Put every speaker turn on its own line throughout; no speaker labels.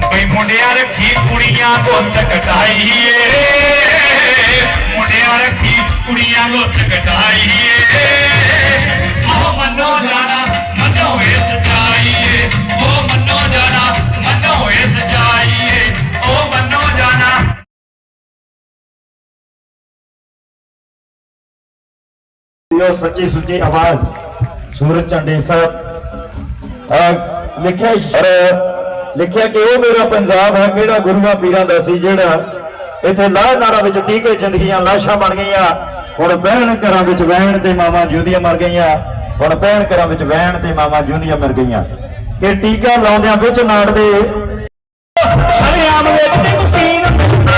कोई मुंडिया रखी कुड़ियां गुत्त कटाईए मुंडिया रखी कुड़ियां गुत्त कटाईए ओ मनो जाना मनो इस जाइए ओ मनो जाना मनो इस जाइए ओ मनो जाना।
सच्ची सुची आवाज सूरज चंडी साहब लिखिया लिखिया कि वो मेरा पंजाब है किहड़ा गुरुआं पीरां दा सी जिहड़ा इत्थे लाह नारा विच टीके जिंदगियां लाशां बन गईयां हुण भैण घरां विच वैण ते मावां जिउंदियां मर गईयां हुण भैण घरां विच वैण ते मावां जिउंदियां मर गईयां कि टीका लाउंदियां विच नाड़ दे शरेआम विच मशीन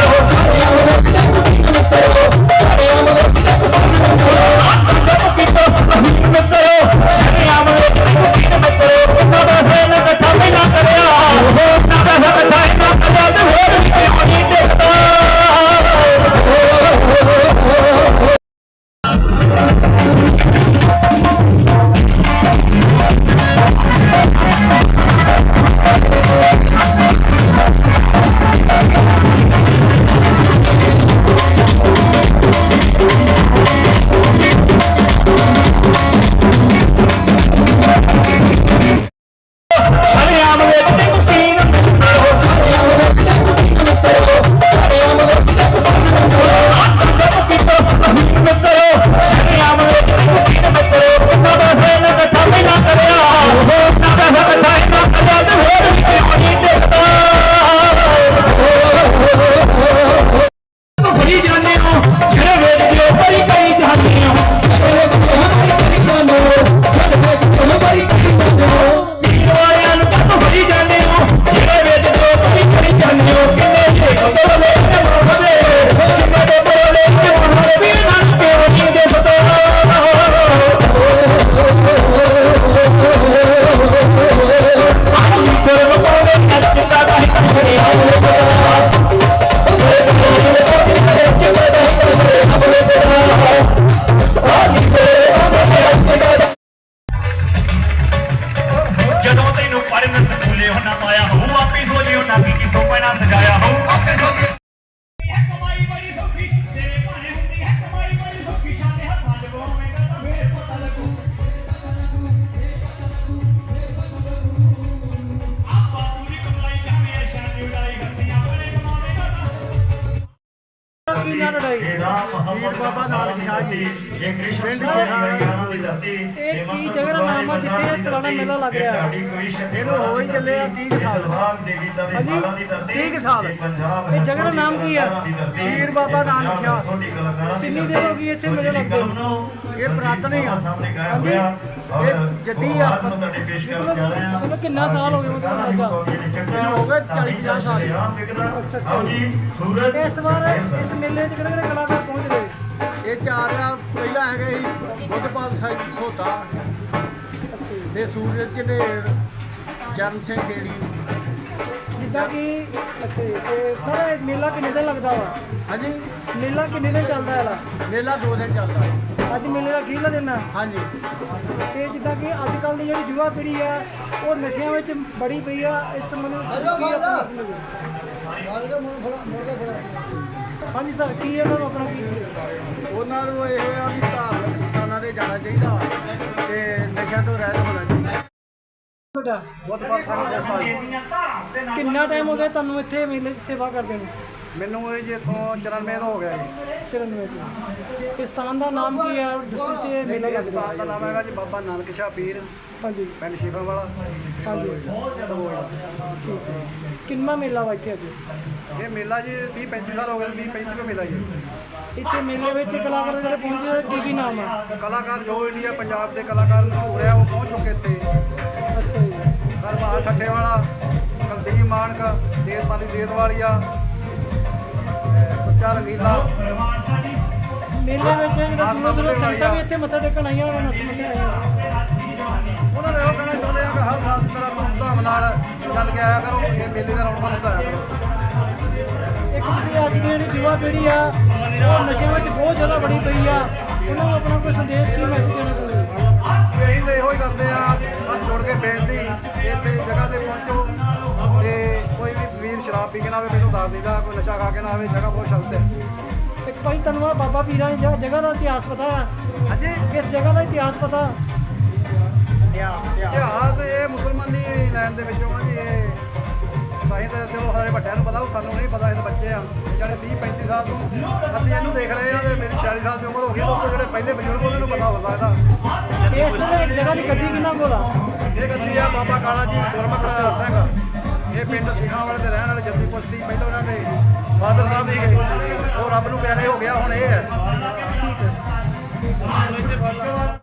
वीर बाबा नानक शाह जी पिंड जगह नाम है जिथे सालाना मेला लग रहा इन्हू हो ही चले 30 साल। हाँ जी 30 साल। ये जगह का नाम की है? वीर बाबा नानक शाह। कितनी देर हो गई इतने मेले लगते? ये पुरातन ही हाँ जी ये जद्दी मतलब कितना साल हो गए मतलब हो गए 40-50 साल। अच्छा अच्छा। इस बार इस मेले च किहड़े कलाकार पहुंच रहे? ये 4 पहला है बुद्धपाल साहिब सोता ते सूरज झंडेर चरण सिंह गेड़ी जिदा कि अच्छा सर मेला किन्ने दिन लगता वा? हाँ जी मेला किन्ने दिन चलता है? मेला 2 दिन चलता है। अज मेले का अखीरला दिन है? हाँ जी। तो जिदा कि अजकल की जी युवा पीढ़ी है वो नशे में बड़ी पई है इस संबंध हाँ जी सर की उन्होंने अपना की उन्होंने यह भी धार्मिक स्थानों से जाना चाहिए नशा तो रहत होना चाहिए। कितना टाइम हो गया तुहानू इत्थे मेले सेवा करते हैं? मैनू जी इतों 94 हो गया जी। 94 स्थान का नाम की है? मेले स्थान का नाम है जी बाबा नानक शाह पीर। हाँ जी पिंड शिफा वाला। हाँ जी ठीक है। कितना मेला वा इत्थे? ये मेला जी 30-35 साल हो गए। 30-35 का मेला जी इतने मेले में कलाकार जो पहुंचे की नाम है? कलाकार जो इंडिया पंजाब के कलाकार मशहूर है वो पहुंच चुके थे। अच्छा जी हरमाल ठट्ठे वाला कुलदीप मानक देवपाली देदवालिया सच्चा रंगीला मेले में संगतां भी इत्थे मत्था टेकण आईयां उन्होंने वो कहना चाहते हैं कि हर साल की तरह धूमधाम नाल चल के आया करो ये मेले का रौनक लुटाया करो। एक अज की युवा पीढ़ी आ वो नशे में बहुत ज़्यादा बड़ी पई आ उन्होंने अपना कोई संदेश की मैसेज देना चाहते? यही तो यो करते हैं हाथ जोड़ के बेनती इतने जगह से पहुँचो तो कोई भी
ਪੀ ਕੇ ਨਾ ਆਵੇ, ਮੈਨੂੰ ਦੱਸ ਦੇਈਦਾ, ਕੋਈ ਨਸ਼ਾ ਖਾ ਕੇ ਨਾ ਆਵੇ। ਜਗ੍ਹਾ ਬਹੁਤ ਸ਼ਾਂਤ ਹੈ।
ਇੱਕ ਭਾਈ ਤੁਹਾਨੂੰ ਆਹ ਬਾਬਾ ਪੀਰਾਂ ਦੀ ਜਗ੍ਹਾ ਦਾ ਇਤਿਹਾਸ ਪਤਾ ਹੈ?
ਹਾਂਜੀ,
ਇਸ ਜਗ੍ਹਾ ਦਾ ਇਤਿਹਾਸ ਪਤਾ?
ਇਤਿਹਾਸ ਇਹ ਮੁਸਲਮਾਨੀ ਲਾਈਨ ਦੇ ਵਿੱਚੋਂ ਆ ਜੀ। ਇਹ ਸਾਈਂ ਤਾਂ ਚਲੋ ਸਾਡੇ ਵੱਡਿਆਂ ਨੂੰ ਪਤਾ, ਸਾਨੂੰ ਨਹੀਂ ਪਤਾ। ਇਹ ਤਾਂ ਬੱਚੇ ਆ ਜਿਹੜੇ 30-35 ਸਾਲ ਤੋਂ ਅਸੀਂ ਇਹਨੂੰ ਦੇਖ ਰਹੇ ਆ, ਤੇ ਮੇਰੀ 46 ਸਾਲ ਦੀ ਉਮਰ ਹੋ ਗਈ। ਦੋਸਤੋ ਜਿਹੜੇ ਪਹਿਲੇ ਬਜ਼ੁਰਗ ਉਹਨਾਂ ਨੂੰ ਪਤਾ ਹੋ ਸਕਦਾ।
ਇਸ ਤੇ ਇੱਕ ਜਗ੍ਹਾ ਦੀ ਗੱਦੀ ਕਿੰਨਾ ਕੋਲ ਆ?
ਇਹ ਗੱਦੀ ਆ ਬਾਬਾ ਕਾਲਾ ਜੀ ਗੁਰਮੁਖ ਸਿੰਘ। ਇਹ ਪਿੰਡ ਸਿੰਘਾਂ ਵਾਲੇ ਦੇ ਰਹਿਣ ਵਾਲੇ ਜੱਦੀ ਪੁਸ਼ਤੀ। ਪਹਿਲਾਂ ਉਹਨਾਂ ਦੇ ਫਾਦਰ ਸਾਹਿਬ ਵੀ ਗਏ, ਉਹ ਰੱਬ ਨੂੰ ਪਿਆਰੇ ਹੋ ਗਿਆ, ਹੁਣ ਇਹ ਹੈ।
ਠੀਕ ਹੈ।